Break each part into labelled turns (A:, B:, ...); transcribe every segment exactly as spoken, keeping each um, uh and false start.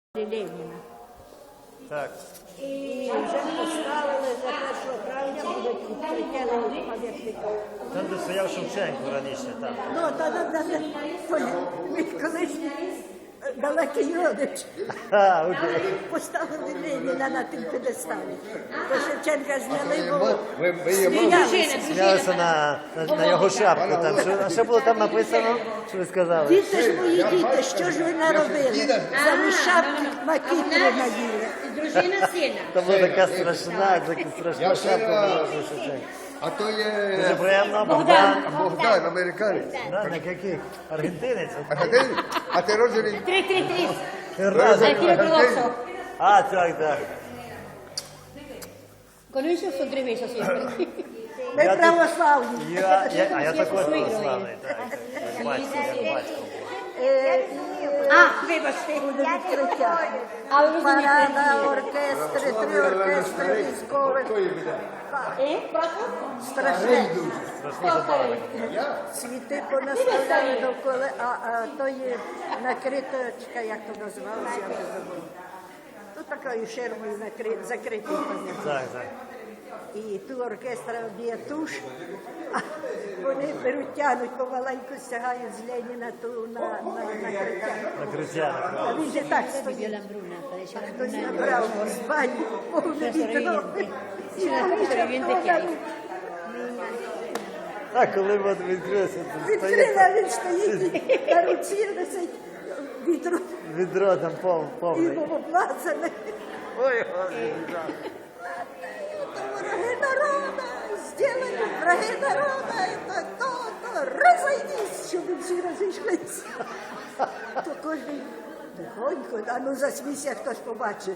A: Леніна.
B: Так.
A: І вже поставили за першого травня будуть відкриття пам'ятника.
B: Там, де стояв Шевченко раніше, там.
A: Ну, та та та мій колишній далекий родич.
B: А, окей.
A: Поставили Леніна на тим п'єдесталі. То Шевченка зняли, бо
C: Ви, ви є мама?
A: сміялися.
B: Сміялися на, на, на його шапку. Там. Що, а що було там написано? Що ви сказали?
A: Діти ж мої діти, що ж ви наробили? Замість шапки макітру наїли.
D: Дружина сина.
B: Там була така страшна, така страшна
C: Я
B: шапка
C: ще-
B: була у Шевченка.
C: А то
B: Дуже
C: є
B: приємно, Богдан.
C: Богдан, американець.
B: Да, на яких? Аргентинець?
C: А ти, а ти роджений?
D: Три, три, три.
B: Разом.
D: Al tiro grosso.
B: А, так, так.
D: Con eso son tres besos siempre.
A: Ми
B: Я тут-
A: православні.
B: Я, я, а я також православний, так. Як батько, як батько.
A: Е,
D: Ah, vibasti.
A: Буде відкриття.
D: А ви розумієте?
A: Парада, оркестри, три оркестри військових.
D: Eh? Proprio?
A: Страшне.
B: Страшно забавно.
A: Цвіти понаставляли довкола, а, а то є накриточка, як то називалося, я вже забула. Тут такою ширмою накрит, закритий пам'ятник.
B: Так, так.
A: І ту оркестра б'є туш, а вони беруть, тянуть помаленьку, стягають з Леніна ту на, на накриття.
B: Накриття,
A: А він же так
D: Vio
A: стоїть.
D: la hambruna, parecía la
A: Хтось
D: hambruna.
A: набрав з бані повне відро. І
D: C'è una
A: вони
D: sopravviviente che hai.
B: Так, коли ми відкрилися, тут стоїть
A: відкрила, він стоїть і на руці носить відро
B: відро там пов,
A: і
B: повний.
A: облазане.
B: Ой, господи, так.
A: Враги народа, сделали враги народа, это то, то, розійдись, щоб всі розійшлися. То кожен тихонько, а ну засмійся, хтось побачить.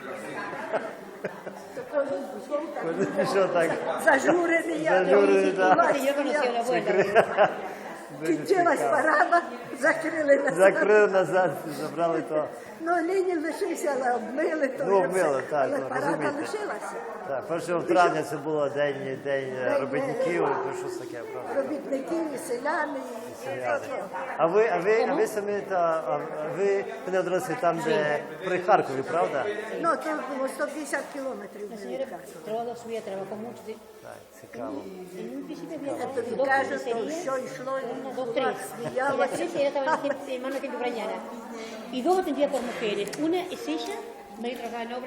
A: То кожен пішов так,
B: Коли пішов так.
A: зажурений, я
B: Зажурений, да.
D: Yo conocí a la abuela.
A: кінчилась парада, закрили назад.
B: Закрили назад, забрали то.
A: Ну, Ленін лишився, але обмили то.
B: Ну,
A: вже
B: обмили,
A: все.
B: так,
A: Але
B: ну,
A: парада
B: розумієте.
A: лишилася.
B: Так, першого травня це було день, день е, робітників, ну, щось таке, правда.
A: Робітників і селяни. і-
B: Селяни. А ви, а ви, а ви самі, та, а ви не одразу там, де при Харкові, правда?
A: Ну, то було сто п'ятдесят кілометрів.
D: La señora trabajó su vida, trabajó mucho. sí.
B: Так, цікаво.
D: En un principio había
A: Я тобі
D: dos
A: кажу, то
D: pizzerías,
A: що йшло,
D: una,
A: і
D: dos,
A: була,
D: tres. Y las
A: сміялася.
D: tres ella estaba en mano de gente ucraniana. Y dos atendidas por mujeres. Una es ella, medio trabajaba en obra.